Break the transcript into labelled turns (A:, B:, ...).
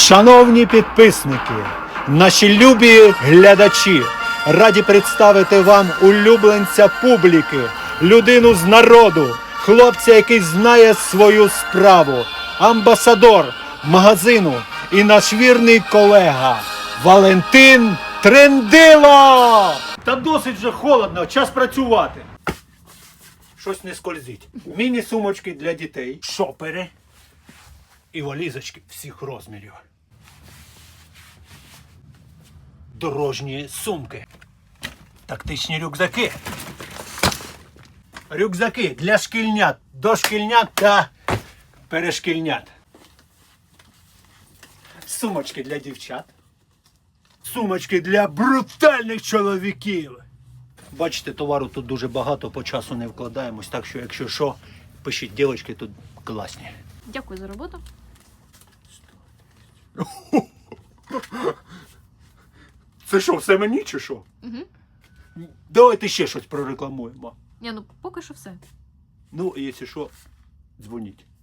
A: Шановні підписники, наші любі глядачі, раді представити вам улюбленця публіки, людину з народу, хлопця, який знає свою справу, амбасадор магазину і наш вірний колега Валентин Трендило! Та досить вже холодно, час працювати. Щось не скользить. Міні-сумочки для дітей, шопери і валізочки всіх розмірів. Дорожні сумки. Тактичні рюкзаки. Рюкзаки для шкільнят, дошкільнят та перешкільнят. Сумочки для дівчат. Сумочки для брутальних чоловіків. Бачите, товару тут дуже багато, по часу не вкладаємось, так що, якщо що, пишіть, дівчатки тут класні.
B: Дякую за роботу.
A: Це що, все мені чи що?
B: Угу.
A: Давайте ще щось прорекламуємо.
B: Ні, ну поки що все.
A: Ну, якщо що, дзвоніть.